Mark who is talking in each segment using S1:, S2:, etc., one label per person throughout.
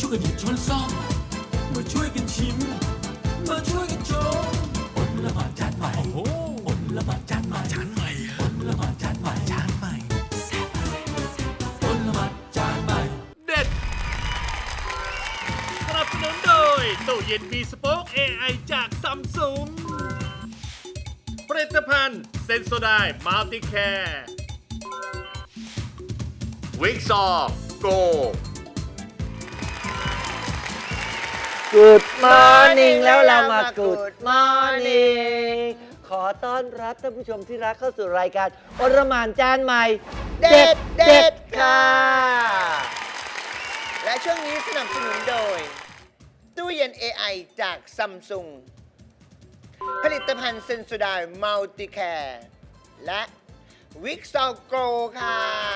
S1: ช่วยกันหยิบช้อนซ่อมมาช่วยกันชิมมาช่วยกันชมอดละหมาดจานใหม่โอ้อดละหมาดจานใหม่จานใหม่อดละหมาดจานใหม่จานใหม่อดละหมาดจานใหม่
S2: เด็ดสนับสนุนโดยตู้เย็นมีสป็อค AI จากซัมซุงผลิตภัณฑ์เซนโซไดมัลติแคร์วิกซอโก
S3: Good morning แล้วเรามา Good morning ขอต้อนรับท่านผู้ชมที่รักเข้าสู่รายการอรหม่านจานใหม่เด็ดค่ะ
S4: และช่วงนี้สนับสนุนโดยตู้เย็น AI จากซัมซุงผลิตภัณฑ์เซนโซไดมัลติแคร์และวิกซอโกค่ะ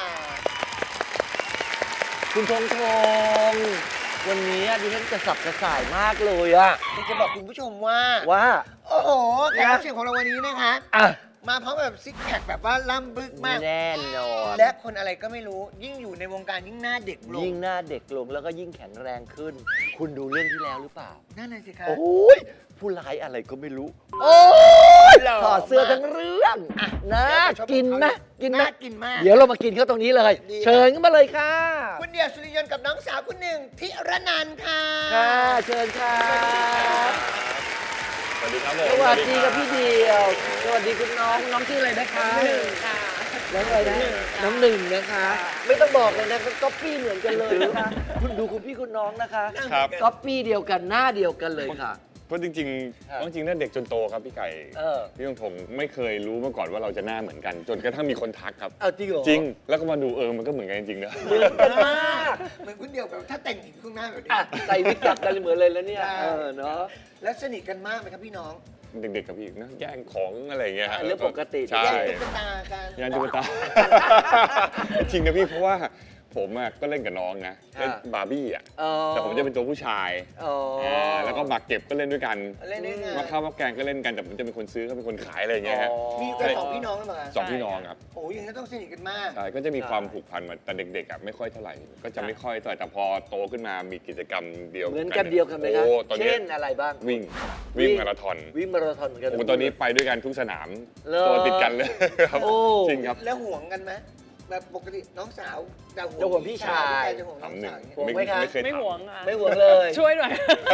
S3: คุณธงวันนี้ดิฉันกระสับกระส่ายมากเลยอะ
S4: จะบอกคุณผู้ชมว่า โอ้โหแขกรับเชิญของเราวันนี้นะคะ มาพร้อมแบบซิกแพคแบบว่าล่ำบึกมาก
S3: แน่นอน
S4: และคนอะไรก็ไม่รู้ยิ่งอยู่ในวงการยิ่งหน้าเด็กลง
S3: ยิ่งหน้าเด็กลงแล้วก็ยิ่งแข็งแรงขึ้น คุณดูเรื่องที่แล้วหรือเปล่า
S4: นั่นน่ะสิคะ
S3: โอ้ยผู้ร้ายอะไรก็ไม่รู้ โอ้ยถอดเสื้อทั้งเรื่องน่ากินไหมกินไหม
S4: น่ากินมาก
S3: เดี๋ยวเรามากินเขาตรงนี้เลย
S4: ดี
S3: เชิญเข้ามาเลยค่ะ
S4: คุณเดียวสุริยนต์กับน้องสาวคุณหนึ่งทิรนันท์ค่ะ
S3: ค่ะ เชิญค่ะ
S5: สวัสดีครับผม
S3: สวัสดีกับพี่เดียว สวัสดีคุณน้องชื่ออะไรนะคะ
S4: หนึ่งค่ะ
S3: น้องอะไรนะน้องหนึ่งนะคะ ไม่ต้องบอกเลยนะก๊อปปี้เหมือนกันเลยนะคะคุณดูคุณพี่คุณน้องนะคะ
S5: ครับ
S3: ก๊อปปี้เดียวกันหน้าเดียวกันเลยค่ะ
S5: เพราะจริง
S3: ครับ
S5: ๆจริงๆน่าเด็กจนโตครับพี่ไก่ พี่ยงผมไม่เคยรู้มาก่อนว่าเราจะหน้าเหมือนกัน จนกระทั่งมีคนทักครับ
S3: เอาจริงเหรอ
S5: จริง แล้วก็มาดูมันก็เหมือนกันจริงๆนะ
S3: เหมือนกันมาก
S4: เหมือนคุณเดียวแบบถ้าแต่งหญิงข้างหน้าแบบนี้
S3: อ่ะใส่วิกจับกันเหมือนเลยแล้วเนี่ย
S4: ใช่
S3: เนาะ
S4: แล้วสนิทกันมากไหมครับพี่น้อง
S5: เด็กๆกับพี่นะแย่งของอะไรอย่างเงี้ยฮะ
S3: เรื่องปกติ
S5: ใช่
S4: แย่งตุ๊กตากัน
S5: แย่งตุ๊กตา จริงนะพี่เพราะว่าผมก็เล่นกับน้องนะเล่นบาร์บี้อ่ะ
S3: อ๋อ
S5: แต่ผมจะเป็นตัวผู้ชาย
S3: อ๋อ
S5: แล้วก็หมากเก็บก็เล่นด้วยกัน
S4: เล่นด้วยกัน
S5: มาข้าวมาแกงก็เล่นกันแต่ผมจะเป็นคนซื้อเขาเป็นคนขายอะไรอย่างเงี้ยฮะ
S4: มีกันสองพี่น้องหรือเปล่า
S5: สองพี่น้องครับ
S4: โอ้ยอย่างนี้นต้องสนิทกันมาก
S5: ใช่ก็จะมีความผูกพันมาแต่เด็กๆไม่ค่อยเท่าไหร่ ก็จะไม่ค่อยเท่าไหร่แต่พอโตขึ้นมามีกิจกรรมเดียว
S3: เหมือนกันเดียวกันไหมครับ
S5: โอ้ตอนนี้
S3: เช่นอะไรบ้าง
S5: วิ่งมาราธอน
S3: วิ่งมาราธอนเหมือนกัน
S5: โอ้ตอนนี้ไปด้วยกันทุกสนาม
S3: เหรอ
S5: ตัวติดกันเลยครับ
S3: โอ้
S5: จริงครับ
S4: แล้วห่วงกันไหมแบบปกติน้องสาวจะ
S3: จะห่วงพี่ชาย
S4: จะห่วงน้อง
S5: ทำหนึ่
S4: สาง วอย่างเงี้ย
S3: ห่วงไหมคะ
S5: ไม่เคย
S6: ไม่
S5: ทำ
S6: ห่วงอ่ะ
S3: ไม่ห่วงเลย
S6: ช่วยหน่อย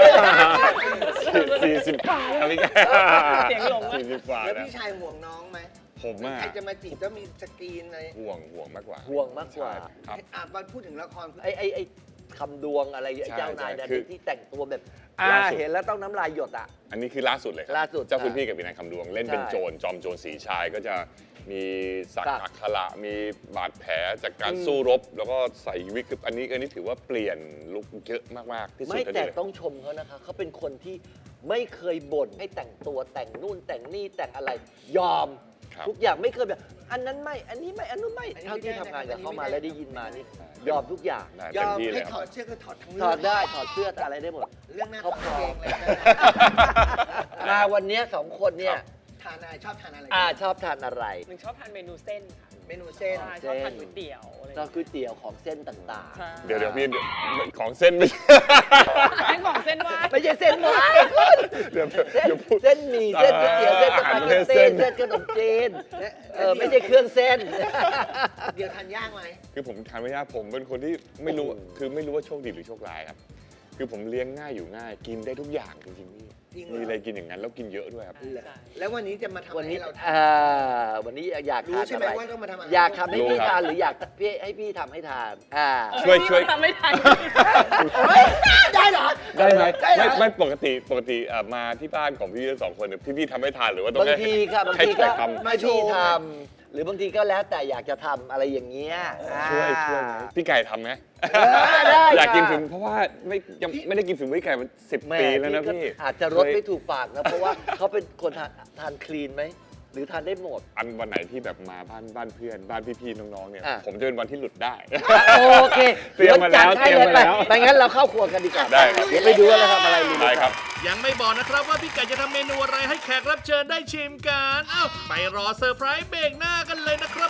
S5: 40 กว่าแล้วพี่แก
S6: เสียงหลงอะ
S5: 40 กว่า
S4: แล้ว
S5: แล้ว
S4: พี่ชายห่วงน้องไหม
S5: ผม
S4: ใครจะมาจีบต้องมีสกรีนอะไร
S5: ห่วงมากกว่า
S3: ห่วงมากกว่า
S5: ครับ
S4: มาพูดถึงละคร
S3: ไอ้คำดวงอะไร
S5: ใช่
S3: เจ้านาย
S5: ใช่
S3: ดา
S5: คื
S3: ดิ
S5: อ
S3: ที่แต่งตัวแบบ
S5: ล่าสุด
S3: เห็นแล้วต้องน้ำลายหยดอ่ะ
S5: อันนี้คือล่าสุดเลยครับ
S3: ล่าสุด
S5: เจ้าคุณพี่กับวินัยคำดวงเล่นเป็น
S3: ใช่
S5: โจรจอมโจรสีชายก็จะมีสัก
S3: สัก
S5: อักขระมีบาดแผลจากการ
S3: อืม
S5: สู้รบ แล้วก็ใส่วิกอันนี้ถือว่าเปลี่ยนลุคเยอะมากๆที่สุด
S3: ไม่
S5: เท่า
S3: แต่
S5: ที่เลย
S3: ต้องชมเขานะคะเขาเป็นคนที่ไม่เคยบ่นให้แต่งตัวแต่งนู่นแต่งนี่แต่งอะไร ยอม
S5: ครับ
S3: ทุกอย่างไม่เคยแบบ อันนั้นไม่อันนี้ไม่อันนู้นไม่เท่าที่ทำงานกับเขามาแล้วได้ยินมานี่ยอมทุกอย่าง
S5: ได้
S4: ย
S5: เต็
S4: อ
S5: ม
S4: ม
S5: ที่เล
S4: ให้
S5: ยค
S4: ถ
S5: รั
S4: อบ ดเสื้อก็ถอดทั้ง
S3: ถอดได้ถอดเสื้ออะไรได้หมด
S4: เรื่องหน้า
S3: เขา
S4: ถอด
S3: พร้อ
S4: เอ
S3: ม
S4: งเลยนะ
S3: มาวันเนี้ยสองคนเนี่ย
S4: ทานอะไรชอบทานอะไร
S3: ชอบทานอะไร
S6: หนึ่งชอบทานเมนูเส้นค่ะ
S4: เมนูเส้น
S6: ใช่ชอบทานก๋วยเตี๋ยวอะไร
S3: ก็ก๋วยเตี๋ยวของเส้นต่าง
S6: ใช่
S5: เดี๋ยวพี่ของเส้นไม่
S6: ให้ของเส้นว่า
S3: ๆ ไม่ใช่เส้นหวานคุณ
S5: เดี๋ยว
S3: เส้น
S5: เดี๋ยวพูด
S3: เส้นหมี่เส้นก๋วยเตี๋ยวเส้นสปาเกตตี้เส้นขนมจีนไม่ใช่เครื่องเส้น
S4: เดี๋ยวทานยากไหม
S5: คือผมทานไม่ยากผมเป็นคนที่ไม่รู้
S3: โอ้โห
S5: คือไม่รู้ว่าโชคดีหรือโชคร้ายครับคือผมเลี้ยงง่ายอยู่ง่าย กินได้ทุกอย่างจริงๆพี่
S4: จริงเหรอ
S5: มีอะไรกินอย่างนั้นแล้วกินเยอะด้วยครับ
S6: ใช่
S4: แล้ววันนี้จะมาทำอะ
S3: วัน
S4: ไร
S3: นี้
S4: ให้เราท
S3: วันนี้อยาก
S4: รู้
S3: ทาน
S4: ใช่ไหม
S3: อะไร
S4: ว่าต้องมาทำอะไร
S3: อยากทำให้
S5: รู้
S3: พี่
S5: ครับ
S3: ทานหรืออยากให้พี่ทำให้ทาน
S5: ช่วย
S6: ทำไม่ทัน
S4: ได้เหรอ
S5: ได้ไหม
S4: ได้เหรอ
S5: ไม่ปกติมาที่บ้านของพี่ทั้งสองคนเนี่ยพี่ทำให้ทานหรือว่าต้อง
S3: บางทีค่ะบาง
S5: ให้
S3: ที
S5: แข
S3: ก็
S5: กทำ
S3: ไม่พี่ทำหรือบางทีก็แล้วแต่อยากจะทำอะไรอย่างเงี้ย
S5: ช่วยไหมพี่ไก่ทำไหม
S3: ได้
S5: อยากกิน
S3: ค่ะ
S5: ฝีมือเพราะว่ายังไม่ได้กินฝีมือพี่ไก่มา10
S3: แม่
S5: ปีแล้วนะ
S3: ก็
S5: พี่
S3: อาจจะรสไม่ถูกปากนะ เพราะว่าเขาเป็นคนทานคลีนไหม หรือทานได้หมด
S5: อันวันไหนที่แบบมาบ้านเพื่อนบ้านพี่ๆน้องๆเนี่ย
S3: อ่ะ
S5: ผมจะเป็นวันที่หลุดได้
S3: โอเค
S5: เตรียมมาแล้ว
S3: ดี๋จัดให้
S5: เตรียมมาแล้ว
S3: ไปงั้นเราเข้าครัวกันดีกว่า
S5: ได้ครับ
S3: เดี๋ยวไปดูว่าเราทำอะไรดี
S5: ได้ครับ
S2: ยังไม่บอกนะครับว่าพี่ไก่จะทำเมนูอะไรให้แขกรับเชิญได้ชิมกันเอ้าไปรอเซอร์ไพรส์เบรกหน้ากันเลยนะครับ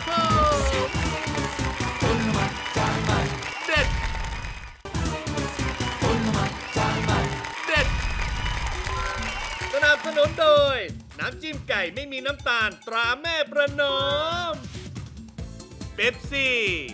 S2: ผมเด็ดนับสนุนโดย น้ำจิ้มไก่ไม่มีน้ำตาลตราแม่ประนอมเป๊ปซี่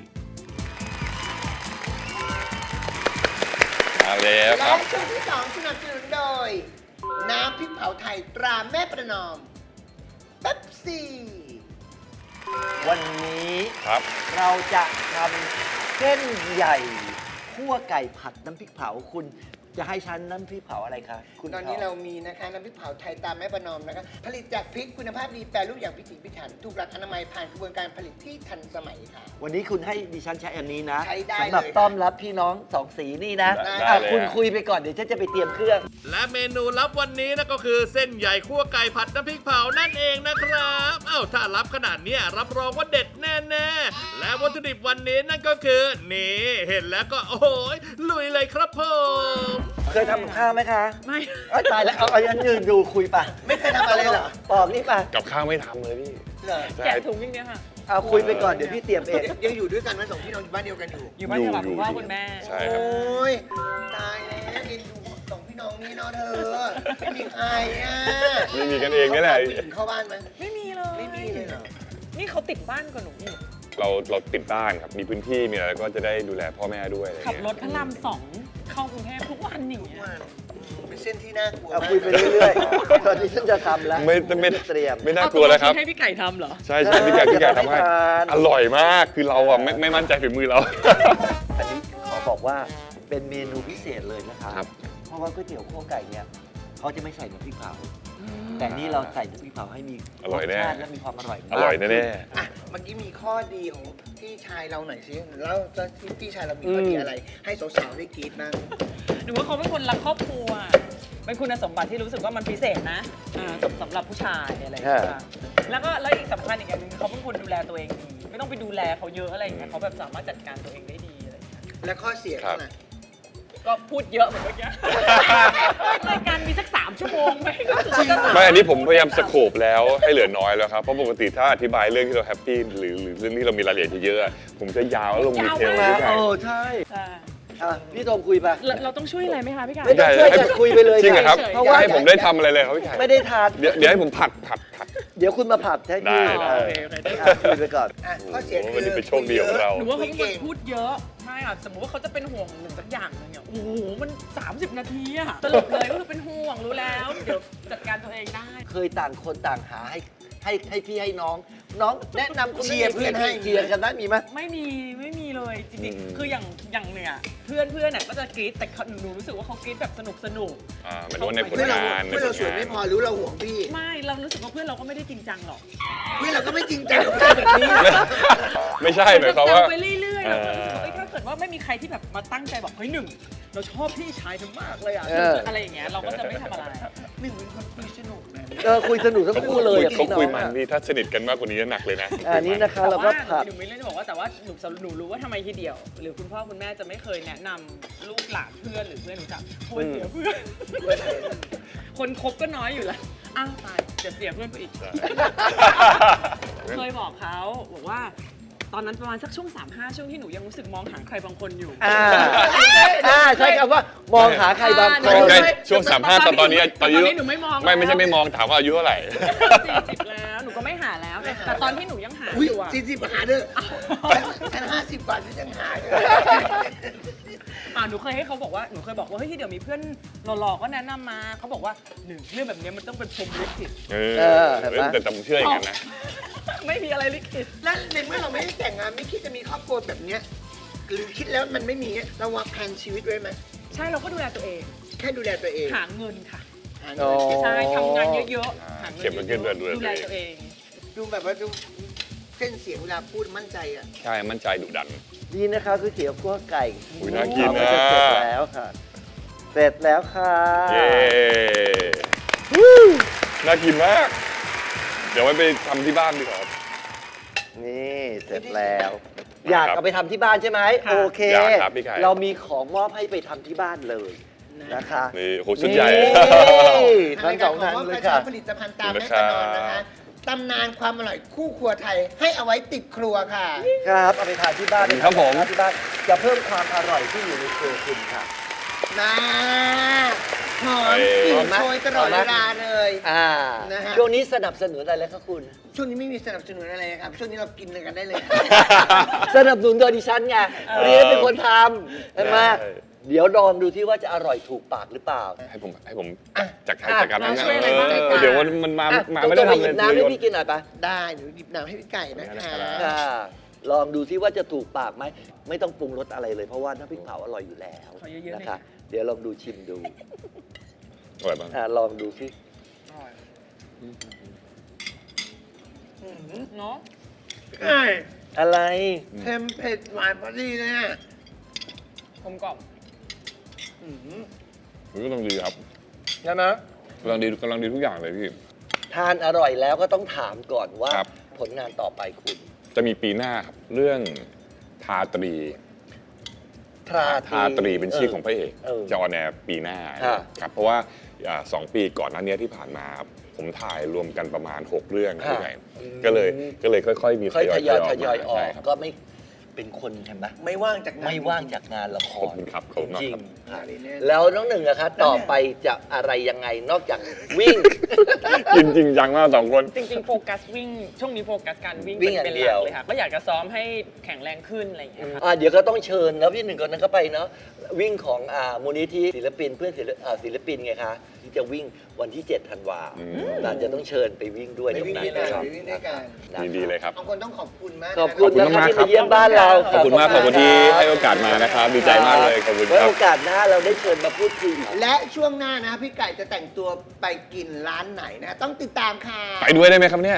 S5: มาแล้วค
S4: และ
S5: รับ
S4: ช่วงที่ 2 สนับสนุนโดย น้ำพริกเผาไทยตราแม่ประนอมเป๊ปซี่
S3: วันนี้
S5: ครับ
S3: เราจะทำเส้นใหญ่คั่วไก่ผัดน้ำพริกเผาคุณจะให้ฉันน้ำพริกเผาอะไรคะคุณ
S4: ตอนนี้เรามีนะคะน้ำพริกเผาไทยตามแม่ประนอมนะคะผลิตจากพริกคุณภาพดีแปรรูปอย่างพิถีพิถันถูกหลักอนามัยผ่านกระบวนการผลิตที่ทันสมัยค่ะ
S3: วันนี้คุณให้ดิฉันใช้อันนี้นะ
S4: ใช้ได้
S3: สำหรับ
S4: เลย
S3: ต้อนรับพี่น้องสองสีนี่นะ
S5: ได้
S3: อ่ะ
S5: เลย
S3: คุณ
S5: ฮะ
S3: คุยไปก่อนเดี๋ยวฉันจะไปเตรียมเครื่อง
S2: และเมนูลับวันนี้นะก็คือเส้นใหญ่คั่วไก่ผัดน้ำพริกเผานั่นเองนะครับเอ้าถ้ารับขนาดเนี้ยรับรองว่าเด็ดแน่ๆและวัตถุดิบวันนี้นั่นก็คือนี่เห็นแล้วก็โอ้โหลุยเลยครับผม
S3: เคยทำกับข้าวไหมคะ
S6: ไม่
S3: เอ้ยตายแล้วเอาอันยืนดูคุยป่ะ
S4: ไม่เคยทำอะไรเหรอ
S3: ปอกนี่ป่ะ
S5: กับข้าวไม่ทำเลยพี่
S4: เหรอ
S5: ใช่
S6: แกะถุงอย่างเนี้ยค่ะ
S3: เอาคุยไปก่อนเดี๋ยวพี่เตรียมเอง
S4: ยังอยู่ด้วยกันไหมสองพี่น้องอยู่บ้านเดียวกันอยู่
S6: อยู่บ้านเดียวกับคุณพ่อคุณแม่
S5: ใช่
S4: โอ
S5: ครับ
S4: ้ยตายแล้วเอ็นดูสองพี่น้องนี่เนาะเธอไม่มีใครอ่ะ
S5: ไม่มีกันเองนี่แหละ
S4: เขาผู้ญิงเข้าบ้านไหม
S6: ไม่มีเลย
S4: ไม่มีเลยเหรอ
S6: นี่เขาติดบ้านกับหนูอีก
S5: เราติดบ้านครับ มีพื้นที่มีอะไรก็จะได้ดูแลพ่อแม่ด้วยอะไร
S6: ขับ
S5: เงี้ย
S6: รถพระราม2เข้ากรุงเทพทุกวันอย่างเงี้ย
S4: ว่าเป็นเส้นที่น่ากลัว
S3: เอา
S4: มาก
S3: คุยไปเรื่อยๆตอนนี้ฉันจะทำแล้ว
S5: ไม่
S3: เตรียม
S5: ไม่น่ากลัวแล้วครับ
S6: ให้พี่ไก่ทำเหรอ
S5: ใช่ใช่พี่ไก่ทำให้
S3: ทาน
S5: อร่อยมากคือเราอ่ะไม่มั่นใจฝีมือเรา
S3: อันนี้ขอบอกว่าเป็นเมนูพิเศษเลยนะคะ
S5: ครับ
S3: เพราะว่าก๋วยเตี๋ยวคั่วไก่เนี่ยเขาจะไม่ใส่น้ำพริกเผา แต่นี่เราใส่น้ำพริกเผาให้มี
S5: อร่อยแน่
S3: สชาติและมีความอร่อยมาก
S5: อร่อยแน่
S4: อ่ะเมื่อกี้มีข้อดีของพี่ชายเราหน่อยสิแล้วที่พี่ชายเรามีข้อดีอะไร ให้สาวๆได้กรี๊ดบ้าง
S6: หนูว่าเขาเป็นคนรักครอบครัว เป็นคุณสมบัติที่รู้สึกว่ามันพิเศษนะสำหรับผู้ชายอะไรอย่างเงี้ยแล้วอีกสำคัญอีกอย่างหนึงเขาเป็นคนดูแลตัวเองดี ไม่ต้องไปดูแลเขาเยอะอะไรอย่างเงี้ยเขาแบบสามารถจัดการตัวเองได้ดีอะไรอย่างเงี้ย
S4: และข้อเสียเขาล่ะ
S6: ก็พูดเยอะเหมือนเมื่อกี้ รายการมีสัก3 ชั่วโมงไหมก็คือจะ
S5: ๆไม่อันนี้ผมพยายามสโคปแล้วให้เหลือน้อยแล้วครับเพราะปกติถ้าอธิบายเรื่องที่เราแฮปปี้หรือเรื่องที่เรามีรายละเอียดเยอะๆอะผมจะยาวแล้วลงดีเทล
S3: มา
S5: พี่ไก่
S3: ใช่
S6: ใช่
S3: อ่ะพี่โทมคุยไป
S6: เราต้องช่วยอะไรไหมคะพี่ไก่
S3: ไม่ต้องช่วยกันคุยไปเลย
S5: จริงเหรอครับ
S3: เพราะว่า
S5: ให้ผมได้ทำอะไรเลยครับพี่ไก่
S3: ไม่ได้ทาน
S5: เดี๋ยวให้ผมผัด
S3: เดี๋ยวคุณมาผัดให้พี่
S5: ได้
S3: เออ
S6: โอเค
S3: อ่ะคุยไปก่อน
S4: อ่ะข้อเสีย
S5: โอ้โห
S4: คือ
S5: วันนี้เป็นโชคดีของเรา
S6: หนูว่าเขาเป็นคน
S4: เก่ง
S6: พูดเยอะใช่ค่ะสมมติว่าเขาจะเป็นห่วงหนึ่งสักอย่างหนึงเนี่ยโอ้โหมัน 30 นาทีอะสรุปเลยก็คือเป็นห่วงรู้แล้ว เดี๋ยวจัดการตัวเองได้
S3: เคยต่างคนต่างหาให้พี่ให้น้อง น้องแนะนำคน
S4: เชียร์เพื่อนให้
S3: เชียร์กันได้มีไหม
S6: ไม่มีเลยจริง
S5: อืม
S6: ๆคืออย่างเนี่ยเพื่อนเนี่ยก็จะกรี๊ดแต่หนูรู้สึกว่าเขากรี๊ดแบบสนุก
S5: หมายถึงว่าในผล
S4: เพื่อนเรา
S5: งาน
S4: เพื่อนเราสวยไม่พอรู้เราห่วงพี่
S6: ไม่เรารู้สึกว่าเพื่อนเราก็ไม่ได้จริงจังหรอก
S4: เพื่อนเราก็ไม่จริงจังกับการแบบนี้
S5: ไม่ใช่หมายความว่า
S6: แซวไปเรื่อยๆแล้วก็รู้สึกว่าเอ้ยถ้าเกิดว่าไม่มีใครที่แบบมาตั้งใจบอกเฮ้ยหนึ่งเราชอบพี่ชายเธอมากเลยอะอะไรอย่างเงี้ยเราก็จะไม่ทำอะไรหนึ่งเป็นคนคุยสนุกนะ
S3: คุยสนุกทั้งคู่เลยอ่ะ
S5: เขา
S3: พี่น้อง
S5: คุยมัน
S3: อ่ะ
S5: พี่ถ้าสนิทกันมากกว่านี้จะหนักเลยนะ
S3: อันนี้นะคะ เราก็ผัด
S6: หนูไม่เล่นจะบอกว่าแต่ว่าหนูรู้ว่าทำไมทีเดียว หรือคุณพ่อคุณแม่จะไม่เคยแนะนำลูกหลานเพื่อนหรือเพื่อนหนูจักโคตรเสียเพื่อน คนคบก็น้อยอยู่แล้วอ้าวตายเดี๋ยวเสียเพื่อนไปอีก เคยบอกเขาบอกว่า ตอนนั้นประมาณสักช่วง 3-5 ช่วงที่หนูยังรู้สึกมองหาใครบางคนอยู่
S3: ใช้คำว่ามองหาใครบางคน
S5: ใช่ช่วง35ตอนนี้ตอนอายุ
S6: หนูไม่มอง
S5: ไม่ใช่ไม่มองถามว่าอายุเท่าไหร่
S6: 40แล้วหนูก็ไม่หาแล้วแต่ตอนที่หนูยังหา
S4: อุ้ย
S6: อยู่อะ
S4: 40หาเด้อฉัน50 กว่าฉันยังหาเลย
S6: หนูเคยให้เขาบอกว่าหนูเคยบอกว่าเฮ้ยเดี๋ยวมีเพื่อนหล่อๆก็แนะนำมาเขาบอกว่าหนึ่งเรื่องแบบนี้มันต้องเป็นพรหมลิขิต
S3: เห็นไหม
S5: แต่ผมเชื่ออย่างนั้นนะ
S6: ไม่มีอะไรลิขิต
S4: แล้วในเมื่อเราไม่ได้แต่งงานไม่คิดจะมีครอบครัวแบบเนี้ยหรือคิดแล้วมันไม่มีเราวางแผนชีวิตไว้ไหม
S6: ใช่เราก็ดูแลตัวเอง
S4: แค่ดูแลตัวเอง
S6: หาเงินค่ะ
S4: หาเงิน
S6: ใช่ทำงานเยอะๆหาเงิน
S5: เก็บเงินเดือนดูแล
S6: ดูแลตัวเอง
S4: ดูแบบว่าดูเส้นเสียงเวลาพูดมั่นใจอ่ะ
S5: ใช่มั่นใจดุดัน
S3: นี่นะคะก๋วยเตี๋ยวคั่วไก่
S5: อุ๊ยน่ากินนะ
S3: จะเสร็จแล้วค่ะ เสร็จแล้วค่ะ
S5: เย้น่ากินมาก เดี๋ยวไว้ไปทำที่บ้านดีกว่าครับ
S3: นี่เสร็จแล้ว อยากเอาไปทำที่บ้านใช่ไหมโอเค
S5: อยากครับพี่ไก่
S3: เรามีของมอบให้ไปทำที่บ้านเลยนะคะ
S5: นี่โหชุดใหญ่
S3: นี่
S4: ทา
S3: ทั้
S4: ง
S3: ง
S4: ราย
S3: ส
S4: กา
S3: อ
S4: รง ขอ
S3: ท่าน
S4: มอบ
S3: เล
S4: ก
S3: ย
S4: ระ
S3: ค่ะ
S4: เช้าผลิตภัณฑ์ตามแม่ประนอมนะคะตำนานความอร่อยคู่ครัวไทยให้เอาไว้ติดครัวค่ะ
S3: ครับเอาไปทานที่บ้าน
S5: ครับผม
S3: ที่บ้านจะเพิ่มความอร่อยที่อยู่ในครัวคุณค่ะ
S4: นะหอมกลิ่นโชยตลอดเวลาเลย นะฮะ
S3: ช่วงนี้สนับสนุนอะไรครับคุณ
S4: ช่วงนี้ไม่มีสนับสนุนอะไรครับ ช่วงนี้เรากินกันได้เลย
S3: สนับสนุนโดยดิฉันไงเรียนเป็นคนทำใช่ไหมเดี๋ยวลองดูที่ว่าจะอร่อยถูกปากหรือเปล่า
S5: ให้ผมจัดการนั้นนะ
S6: ช่วยอะไรบ้าง
S5: เดี๋ยวมันมาไม่ได้
S3: ต้องไป
S5: ทำ
S3: หยิ
S5: เลย
S3: บน้ำให้พี่กินหน่อยปะ
S4: ได้เดี๋ยวหยิบน้ำให้พี่ไก่นะคะ
S3: ค่ะลองดูที่ว่าจะถูกปากไหมไม่ต้องปรุงรสอะไรเลยเพราะว่าน้ำพริกเผาอร่อยอยู่แล้ว
S6: ขอเยอะๆหน่อย
S3: นะคะเดี๋ยวลองดูชิมดู
S5: อร่อยบ้าง
S3: ลองดูสิ
S6: เนาะ
S4: ไก่
S3: อะไร
S4: เค็มเผ็ดหวานพอดีเลยอ่ะ
S6: กลมกล่อม
S5: มันก็ต้องดีครับ
S4: ใช่ไหม
S5: กำลังดีทุกอย่างเลยพี่
S3: ทานอร่อยแล้วก็ต้องถามก่อนว่า
S5: ครับ
S3: ผลงานต่อไปคุณ
S5: จะมีปีหน้าครับเรื่องทาตรี ทาตรีเป็นชื่อของพระเอก จะออนแอร์ปีหน้าครับเพราะว่า2 ปีก่อนหน้านี้ที่ผ่านมาครับผมถ่ายรวมกันประมาณ 6 เรื่องด้วยกันก็เลยค่อยๆมี
S3: ค่อยทยอย
S5: อ
S3: ท
S5: อก
S3: ยอยออก
S5: ใช่ครับ
S3: ก็ไม่เป็นคนใช่ไหม
S4: ไม่ว่างจากงาน
S3: ไม่ว่างจากงานละค
S5: ขอบ
S3: ร
S5: คุณครับขอบคุณมาก
S3: จริง
S5: ครับ
S3: ค่ะ
S4: อันนี้แน่
S3: แล้วน้องหนึ่งนะคะต่อไปจะอะไรยังไงนอกจากวิ่ง
S5: กินจริงจังมาก2 คน
S6: จริงๆโฟกัสวิ่งช่วงนี้โฟกัสการวิ่ง
S3: วิ่งอย่าง
S6: เป็น
S3: เดี
S6: ห
S3: ยว
S6: ลักเลยค่ะก็อยากจะซ้อมให้แข็งแรงขึ้นอะไรอย่างเงี้ยค่ะ
S3: เดี๋ยวก็ต้องเชิญแล้วพี่หนึ่งคนนั้นก็ไปเนาะวิ่งของมูลนิธิศิลปินเพื่อนศิลปินไงคะที่จะวิ่งวันที่ 7 ธันวา
S5: อืม
S3: เราจะต้องเชิญไปวิ่งด้วย
S4: ไปวิ่งด้วยกัน
S3: ะครับ
S4: ไปวิ่งด้วยกัน
S5: ยินดีเลยครับ
S4: บางคนต้องขอบคุณมากนะ
S3: ขอบคุณ
S5: ขอบ
S3: นะ
S5: คุณ
S3: คะ
S5: มาก
S3: ที่
S5: ครับ
S3: มาเยี่ยมบ้านเรา
S5: ขอบคุณมากขอบคุณที่ให้โอกาสมานะครับ ดีใจมากเลยขอบคุณ
S3: ไว้
S5: ครับ
S3: โอกาสหน้าเราได้เชิญมาพูดคุยอีก
S4: และช่วงหน้านะพี่ไก่จะแต่งตัวไปกินร้านไหนนะ ต้องติดตามค่ะ
S5: ไปด้วยได้ไหมครับเนี่ย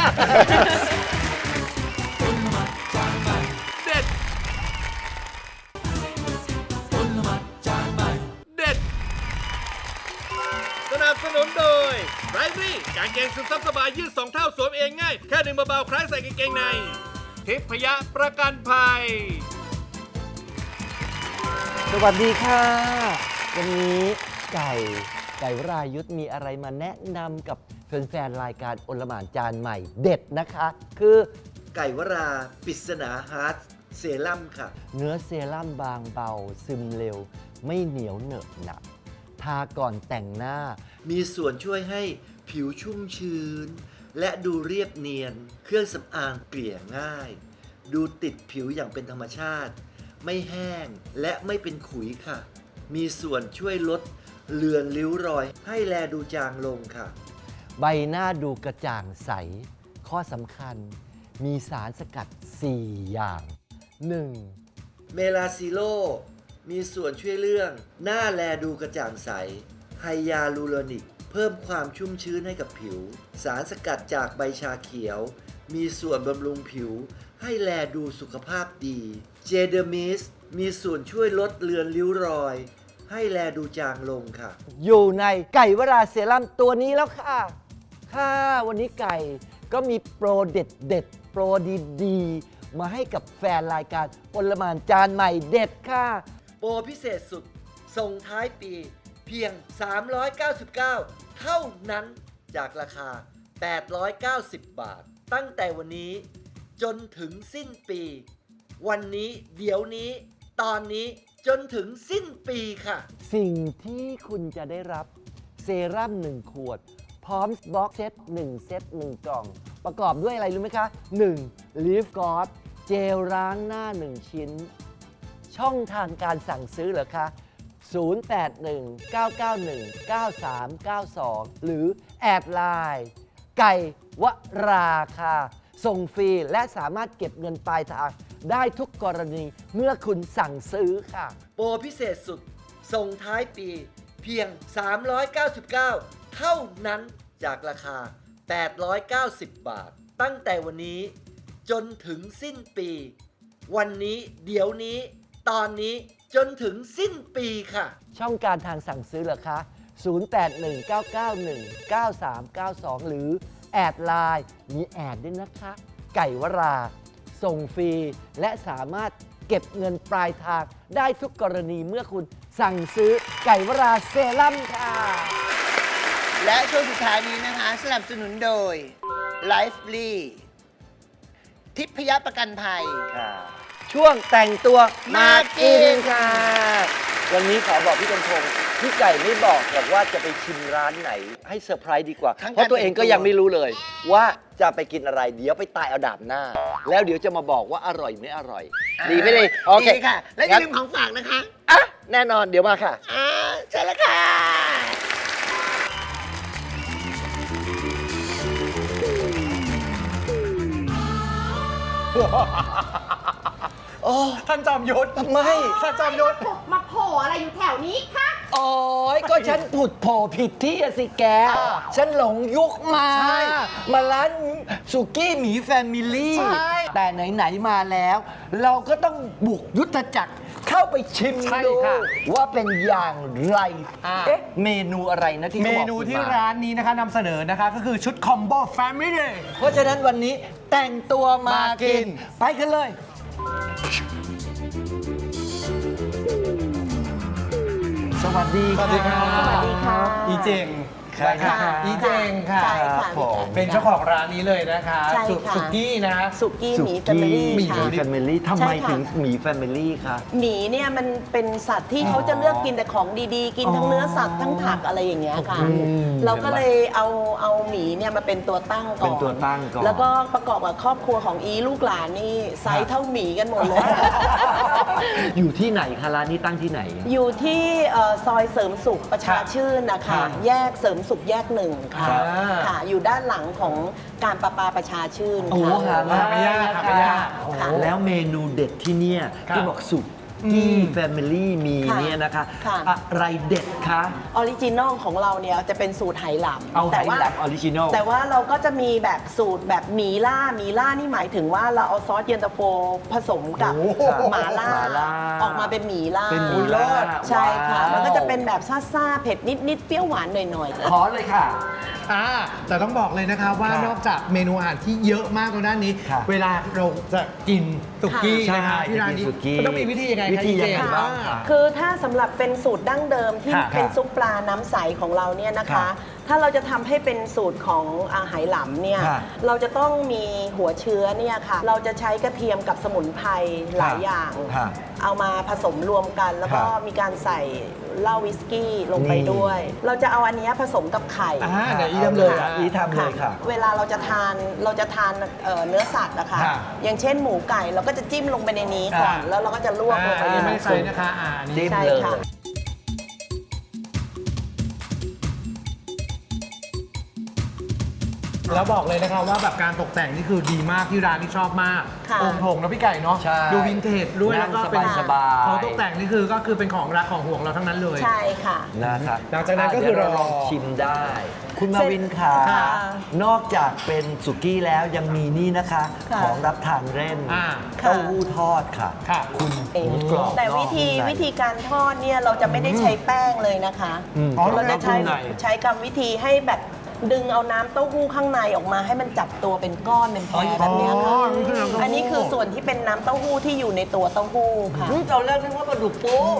S2: เด็ดเด็ดสนับสนุนโดยไรซี่กางเกงสุดซับสบายยืด2 เท่าสวมเองง่าย แค่ดึงเบาๆคล้ายใส่กางเกงในทิพยประกันภัย
S3: สวัสดีค่ะ วันนี้ไก่วรายุทธมีอะไรมาแนะนำกับแฟนๆรายการโอลหม่านจานใหม่เด็ดนะคะ คือไก่วราปริศนาฮาร์ดเซรั่มค่ะ เนื้อเซรั่มบางเบาซึมเร็ว ไม่เหนียวเหนอะหนักทาก่อนแต่งหน้า มีส่วนช่วยให้ผิวชุ่มชื้น และดูเรียบเนียน เครื่องสำอางเกลี่ยง่าย ดูติดผิวอย่างเป็นธรรมชาติ ไม่แห้งและไม่เป็นขุยค่ะ มีส่วนช่วยลดเลือนริ้วรอย ให้แลดูจางลงค่ะ ใบหน้าดูกระจ่างใส ข้อสำคัญ มีสารสกัด 4 อย่าง 1. เมลาซิโล มีส่วนช่วยเรื่อง หน้าแลดูกระจ่างใส ไฮยาลูโรนิก เพิ่มความชุ่มชื้นให้กับผิว สารสกัดจากใบชาเขียว มีส่วนบำรุงผิว ให้แลดูสุขภาพดี เจเดอร์มิส มีส่วนช่วยลดเลือนริ้วรอย ให้แลดูจางลงค่ะ อยู่ในไก่วราเซรั่มตัวนี้แล้วค่ะ ค่ะวันนี้ไก่ก็มีโปรเด็ดโปรดีๆ มาให้กับแฟนรายการโอลหม่านจานใหม่เด็ดค่ะ โปรพิเศษสุด ส่งท้ายปีเพียง 399 เท่านั้นจากราคา 890 บาท ตั้งแต่วันนี้จนถึงสิ้นปี วันนี้เดี๋ยวนี้ตอนนี้จนถึงสิ้นปีค่ะ สิ่งที่คุณจะได้รับเซรั่ม1 ขวด พร้อมบ็อกเซต1 เซต 1 กล่อง ประกอบด้วยอะไรรู้ไหมคะ 1. Leaf God เจลล้างหน้า 1 ชิ้น ช่องทางการสั่งซื้อเหรอคะ 0819919392 หรือแอดไลน์ไก่วราค่ะ ส่งฟรีและสามารถเก็บเงินปลายทางได้ทุกกรณีเมื่อคุณสั่งซื้อค่ะ โปรพิเศษสุด ส่งท้ายปีเพียง 399 เท่านั้นจากราคา 890 บาท ตั้งแต่วันนี้จนถึงสิ้นปี วันนี้เดี๋ยวนี้ตอนนี้จนถึงสิ้นปีค่ะ ช่องการทางสั่งซื้อเหรอคะ 0819919392 หรือแอดไลน์มีแอดด้วยนะคะ ไก่วรา ส่งฟรีและสามารถเก็บเงินปลายทางได้ทุกกรณีเมื่อคุณสั่งซื้อไก่วราเซรั่มค่ะ
S4: และช่วงสุดท้ายนี้นะคะสนับสนุนโดย Lively ทิพยประกันภัย
S3: ช่วงแต่งตัวมากิน
S4: มากิน
S3: ค่ะ วันนี้ขอบอกพี่กำพงพี่ไก่ไม่บอกหรอกว่าจะไปชิมร้านไหนให้เซอร์ไพรส์ดีกว่า
S4: ทั้ง
S3: เพราะตัวเองก็
S4: การแต่งตัว
S3: ยังไม่รู้เลย ว่าจะไปกินอะไร เดี๋ยวไปตายเอาดาบหน้า แล้วเดี๋ยวจะมาบอกว่าอร่อยไม่อร่อย ดีไม่ดีโอเค
S4: ดีค่ะ และอย่าลืมของฝากนะคะ
S3: อ่ะแน่นอนเดี๋ยวมาค่ะ
S4: ใช่แล้วค่ะ
S7: ท่านจอมยุทธ
S3: ทำไม
S7: ท่านจอมยุทธ
S8: มาโผล่อะไรอยู่แถวนี้คะ
S3: โอ้ยก็ฉันผุดโผล่ผิดที่อะสิแก ฉันหลงยุคมา
S7: ใช่
S3: มาร้านสุกี้หมีแฟมิลี่
S7: ใช่
S3: แต่ไหน ๆ มาแล้ว เราก็ต้องบุกยุทธจักรเข้าไปชิม
S7: ใช่
S3: ดู
S7: ค่ะ
S3: ว่าเป็นอย่างไร
S7: อ่า
S3: เอ๊ะ เมนูอะไรนะที่
S7: เม
S3: ขาบอก
S7: นูที่
S3: คุณม
S7: ร้านนี้นะคะนำเสนอนะคะก็คือชุดคอมโบแฟมิลี่
S3: เพราะฉะนั้นวันนี้แต่งตัวมา
S7: มากิ
S3: กิน
S7: น
S3: ไปกันเลย สวัสดี
S7: สวัสดีครับ
S8: สวัสดีค่ะ
S7: อีเจง
S3: ใช่ค่ะ
S7: อีเจงค่ะ
S8: ใช่ค่ะ
S3: ผม
S7: เป็นเจ้าของร้านนี้เลยนะคะ
S8: ใช่ค่ะ
S7: สุกี้นะ
S8: สุกี้หมีแฟมิลี่
S3: หมี
S8: ค่ะ
S3: แฟมิลี่ทำไม
S8: ใช่ค่ะ
S3: ถึงหมีแฟมิลี่คะ
S8: หมีเนี่ยมันเป็นสัตว์ที่เขาจะเลือกกินแต่ของดีๆ กินทั้งเนื้อสัตว์ทั้งผักอะไรอย่างเงี้ยค่ะ เราก็เลยเอาหมีเนี่ยมาเป็นตัวตั้งก่อน
S3: เป็นตัวตั้งก่อน
S8: แล้วก็ประกอบกับครอบครัวของอีลูกหลานนี่ไซส์เท่าหมีกันหมดเลย
S3: อยู่ที่ไหนคะร้านนี้ตั้งที่ไหน
S8: อยู่ที่ซอยเสริมสุขประชาชื่นนะคะ
S3: ครับ
S8: แยกเสริมสุขแยกหนึ่งค่ะ
S3: ครับ
S8: ค่ะ อยู่ด้านหลังของการประปาประชาชื่น
S3: โอ้
S8: ค่ะ
S3: หา
S7: ไม่ยากครับไม่ยาก
S3: โอ้
S8: ค่ะ
S3: แล้วเมนูเด็ดที่เนี่ย
S7: ครับ
S3: ที่บอกสุกี้แฟมิลี่มี
S8: ค่ะ
S3: เนี่ยนะคะ
S8: ค่ะ
S3: อะไรเด็ดคะ
S8: ออริจินอลของเราเนี่ยจะเป็นสูตรไหหลำ
S3: เอาไห
S8: แต่ว่า
S3: แลบออริจินอล
S8: แต่ว่าเราก็จะมีแบบสูตรแบบหมีล่านี่หมายถึงว่าเราเอาซอสเย็นตาโฟผสมกับ
S3: โอ้โห
S8: หมาล่า
S3: หม่าล่า
S8: ออกมาเป็นหมีล่า
S3: เป็นหมีล่า
S8: ใช่ค่ะ
S3: ว้าว
S8: มันก็จะเป็นแบบซ่าๆเผ็ดนิดๆเปรี้ยวหวานหน่อยๆ
S3: ขอเลยค่ะ
S7: แต่ต้องบอกเลยนะคะว่า
S3: ค่ะ
S7: นอกจากเมนูอาหารที่เยอะมากตรงด้านนี้
S3: ค่ะ
S7: เวลาเราจะกินสุกี้
S3: ใช่
S7: นะคะที่ร้านนี้
S3: จะกินสุกี้
S7: มันต้องมีวิธียังไง
S3: วิธี
S7: คะ
S3: ยังไง
S7: อีเจ
S3: บ้างคะ
S8: คือถ้าสำหรับเป็นสูตรดั้งเดิมที่
S3: ค่ะ
S8: เป็นซุปปลาน้ำใสของเราเนี่ยนะ
S3: ค่ะ
S8: คะ ถ้าเราจะทำให้เป็นสูตรของไหหลำเนี่ย
S3: ค่ะ
S8: เราจะต้องมีหัวเชื้อเนี่ยค่ะ เราจะใช้กระเทียมกับสมุนไพรหลายอย่าง
S3: ค่ะ
S8: เอามาผสมรวมกัน แล้วก็
S3: ค่ะ
S8: มีการใส่เหล้าวิสกี้ลงไป
S3: นี่
S8: ด้วย เราจะเอาอันเนี้ยผสมกับไข่
S7: เดี๋ยวอีทำเลย
S3: ค่ะอีทำเลยค่ะ
S8: เวลาเราจะทานเนื้อสัตว์นะคะ
S7: ค่ะ
S8: อย่างเช่นหมูไก่เราก็จะจิ้มลงไปในนี้ก่อน
S7: ค่ะ
S8: แล้วเราก็จะลวกลงไป
S7: อัน
S8: ใน
S7: นี้ไม่
S8: น้ำ
S7: ใส่
S8: ซุป
S7: นะคะอันนี้
S3: จิ้ม
S8: ใช่
S3: เลย
S8: ค่ะ
S7: แล้วบอกเลยนะคะว่าแบบการตกแต่งนี่คือดีมากที่ร้านที่ชอบมาก
S8: ค่ะ
S7: องค์ถงนะพี่ไก่เนาะ
S3: ใช่
S7: ดูวินเทจด้วย
S3: นั่
S7: แล้ว
S3: ง
S7: ก็เป็น
S3: สบายๆ
S7: ของตกแต่งนี่คือก็คือเป็นของรักของห่วงเราทั้งนั้นเลย
S8: ใช่ค่ะ
S3: นะครับ
S7: หลังจากนั้นก็คือ
S3: เดี๋ยว
S7: เรา
S3: ลองชิมได้ คุณมาวินขา
S8: ค่ะ
S3: นอกจากเป็นสุกี้แล้วยังมีนี่นะคะ
S8: ค่ะ
S3: ของรับทานเล่น
S7: อ่า
S3: เต้าหู้ทอดค่ะ
S7: ค่ะ
S3: คุณ
S8: เอง
S3: กรอบ
S8: แต่
S3: นอก
S8: วิธี
S3: นุ่มใน
S8: การทอดเนี่ยเราจะไม่ได้ใช้แป้งเลยนะคะ
S3: อืม
S8: เราจะใช้
S3: กรอบนอกนุ่มใน
S8: กรรมวิธีให้แบบดึงเอาน้ำเต้าหู้ข้างในออกมาให้มันจับตัวเป็นก้อนเป็นแพรแบบเนี้ยค่ะ อันนี้คือส่วนที่เป็นน้ำเต้าหู้ที่อยู่ในตัวเต้าหู้ค่ะ
S3: ตอนแรกนึกว่าปลาดุกฟู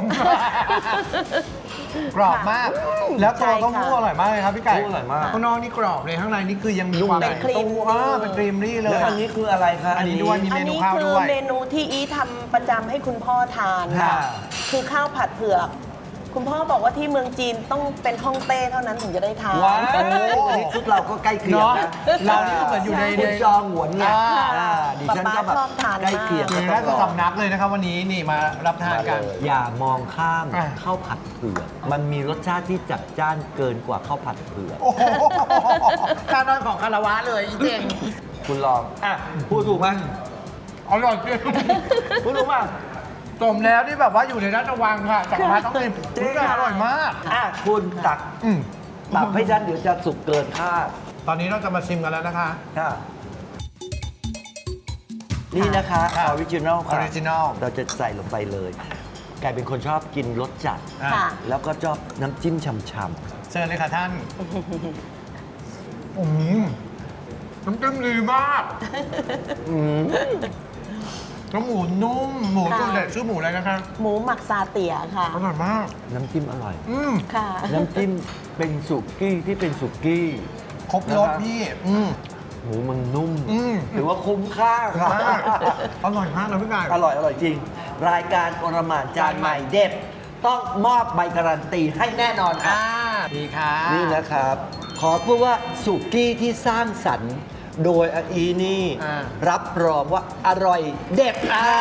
S7: กรอบมาก แล้วตัวเต้าหู้
S8: ใช่ค่ะ
S7: อร่อยมากเลยครับพี่ไก่
S3: อร่อยมาก
S7: ข้างนอกนี่กรอบเลยข้างในนี่คือยังมี
S3: นุ่ม
S7: ความ
S3: ใน
S7: เต้าหู้เป็นครีมรี่เล
S3: แล้ว
S7: ย
S3: อันนี้คืออะไรคะ
S7: อันนี้ด้วยมี
S8: อัน
S7: เมนู
S8: นี้
S7: ข้าว
S8: คื
S7: ด้
S8: อ
S7: วย
S8: เมนูที่อีทำประจำให้คุณพ่อทาน
S3: ค่ะ
S8: ค่ะ คือข้าวผัดเผือก คุณพ่อบอกว่าที่เมืองจีนต้องเป็นฮ่องเต้เท่านั้นถึงจะได้ทาน
S3: ว้าวอันนี้ชุดเราก็ใกล้เคียงนะ
S7: เนอะเรานี่ก็เหมือนอยู่ใน
S3: คุณจองหวนไง
S7: อ่า
S3: ดิฉันก็แบบ
S8: ป๊าป๊าชอบทานมาก
S3: ใกล้เคียง
S7: อยู่ในราชสำนักเลยนะครับวันนี้นี่มารับทานกัน
S3: อย่ามองข้าม
S7: อ่ะ
S3: ข้าวผัดเผือกมันมีรสชาติที่จัดจ้านเกินกว่าข้าวผัดเผือก
S7: โอ้โหการนอนของคารวะเลยอีเจง
S3: คุณลองอ่ะพูดถูกไหม
S7: อร่อยจริง
S3: พูดถูกป่ะ
S7: สมแล้วที่แบบว่าอยู่ในราชวังค่ะจักรพรรดิต้องกิน
S3: จริง
S7: อร่อยมาก
S3: อ่ะคุณตัก
S7: อืม
S3: ตักให้ฉันเดี๋ยวจะสุกเกินคาด
S7: ตอนนี้เราจะมาชิมกันแล้วนะคะ
S3: ค่ะนี่นะคะออริจินอลค่ะ
S7: Original
S3: เราจะใส่ลงไปเลยกลายเป็นคนชอบกินรสจัด
S7: อ่ะ
S8: ค่ะ
S3: แล้วก็ชอบน้ำจิ้มช่ำ
S7: เชิญเลยค่ะท่านอืมน้ำจิ้มดีมาก
S3: ๆอืม
S7: แล้วหมูนุ่ม หมู
S8: ค่ะ
S7: ตัวเด็ดชื่อหมูอะไรนะคะ
S8: หมูหมักซาเตียค่ะ
S7: อร่อยมาก
S3: น้ำจิ้มอร่อย
S7: อืม
S8: ค่ะ
S3: น้ำจิ้มเป็นสุกี้ที่เป็นสุกี้
S7: ครบรสพี่ อืม
S3: หมูมันนุ่ม
S7: อืม
S3: ถือว่าคุ้มค่าค่ะ
S7: มากอร่อยมากนะพี่ไก่
S3: อร่อยจริง รายการโอรหมานจานใหม่เด็ดต้องมอบใบการันตีให้แน่นอนครับ
S7: ดีค่ะ
S3: นี่นะครับ ขอพูดว่าสุกี้ที่สร้างสรรค์โดยอาอีนี่ รับรองว่าอร่อยเด็ด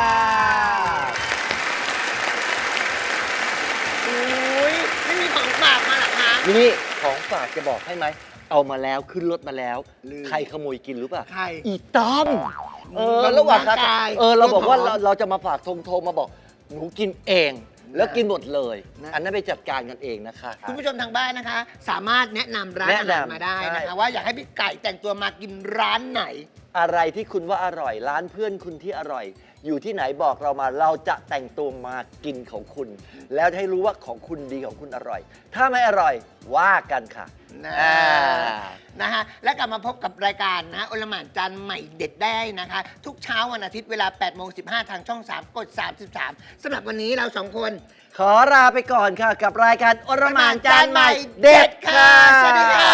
S4: อุ้ยไม่มีของฝากมาหรอคะ
S3: นี่ของฝากจะบอกให้ไหม เอามาแล้วขึ้นรถมาแล้ว
S4: ลืม
S3: ใครขโมยกินรู้ป่ะ
S4: ใคร
S3: อีต้อม
S4: บำรุง
S3: ระหว่าง
S4: ร่างกาย
S3: เราบอกว่า
S4: เรื่องของ
S3: เราจะมาฝากโทรมาบอก หนูกินเอง แล้วกินหมดเลย
S4: นะ
S3: อันนั้นไปจัดการกันเองนะคะ
S4: คุณผู้ชมทางบ้านนะคะ สามารถแนะนำร้านอาหารมาได้นะคะ
S3: ใช่
S4: ว่าอยากให้พี่ไก่แต่งตัวมากินร้านไหน
S3: อะไรที่คุณว่าอร่อย ร้านเพื่อนคุณที่อร่อย อยู่ที่ไหนบอกเรามาเราจะแต่งตัวมากินของคุณ แล้วให้รู้ว่าของคุณดีของคุณอร่อย ถ้าไม่อร่อยว่ากันค่ะ
S4: นะฮะและกลับมาพบกับรายการนะโอลหม่านจานใหม่เด็ดได้นะคะ ทุกเช้าวันอาทิตย์เวลา 8:15 ทางช่อง 3 กด 33สำหรับวันนี้เราสองคน
S3: ขอลาไปก่อนค่ะ กับรายการโอรหมานจานใหม่เด็ดค่ะ
S4: สวัสดีค่ะ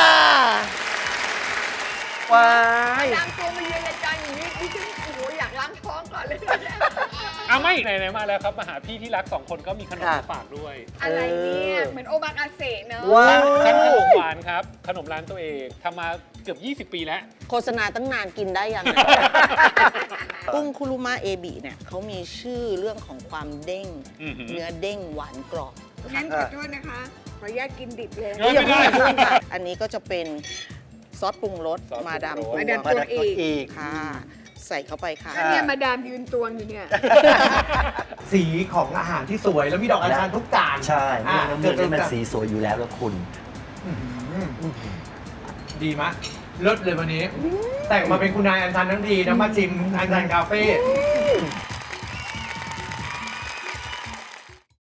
S3: ว้าย
S9: ล้างตัวมาเยือนรายการอย่างนี้ดิฉันโอ้โหอยากล้างท้องก่อนเลย
S10: เอาไม่ไหนๆมาแล้วครับมาหาพี่ที่รัก 2 คนก็มีขนมมาฝากด้วย
S9: อะไรเนี่ย เหมือนโอมากาเสะเนอะ
S3: ว้า
S10: ชั้นขน
S3: ว
S10: มหวานครับ ขนมร้านตัวเองทำมาเกือบ 20 ปีแล้ว
S8: โฆษณาตั้งนานกินได้ยัง กุ้งคุรุมะเอบิเนี่ยเขามีชื่อเรื่องของความเด้ง
S10: อือหือ
S8: เนื้อเด้งหวานกรอบ
S9: งั้นขอโทษนะคะ ขออนุญาตกินดิบเลย
S10: เฮ้ย ไม่ได้
S8: อย่าเพิ่งค่ะอันนี้ก็จะเป็นซอสปรุงรส
S10: ซอสปรุงรส
S8: มาดาม
S9: มาดาม ตัวอีก
S8: ค่ะ ใส่เข้าไปค่ะ
S9: อันเนี้ยมาดามยืนตวงอยู่เนี่ย
S7: สีของอาหารที่สวยแล้วมีดอกอัญชันทุกจาน
S3: ใช่
S7: อ่ะ
S3: น้ำมันมันสีสวยอยู่แล้วแล้วคุณ
S7: ดีมะเลิศเลยวันนี้ แต่งมาเป็นคุณนายอัญชันทั้งทีนะมาชิมอัญชันคาเฟ่